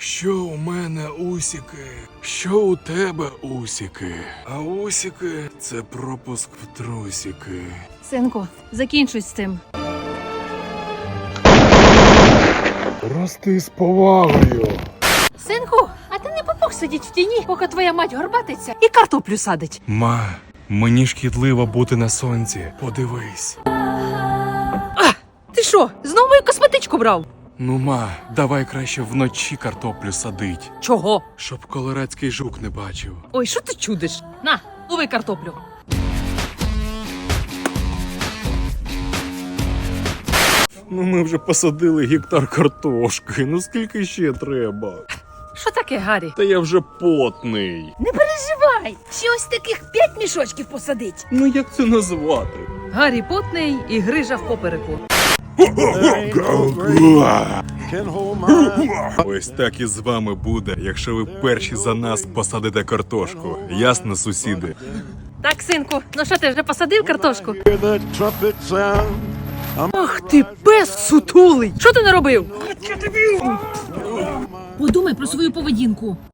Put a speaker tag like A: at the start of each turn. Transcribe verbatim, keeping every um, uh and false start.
A: Що у мене усіки, що у тебе усіки, а усіки – це пропуск в трусіки.
B: Синку, закінчуй з цим.
A: Рости з повагою.
B: Синку, а ти не попух сидіть в тіні, поки твоя мать горбатиться і картоплю садить.
A: Ма, мені шкідливо бути на сонці. Подивись.
B: А, ти що, знову мою косметичку брав?
A: Ну, ма, давай краще вночі картоплю садить,
B: Чого?
A: щоб колорадський жук не бачив.
B: Ой, що ти чудиш? На, лови картоплю.
A: Ну ми вже посадили гектар картошки, ну скільки ще треба?
B: Що таке, Гаррі?
A: Та я вже потний.
B: Не переживай, ще ось таких п'ять мішочків посадить.
A: Ну як це назвати?
B: Гаррі потний і грижа в попереку.
A: Ось так і з вами буде, якщо ви перші за нас посадите картошку. Ясно, сусіди?
B: Так, синку, ну що ти вже посадив картошку? Ах ти, пес сутулий! Що ти наробив? Подумай про свою поведінку.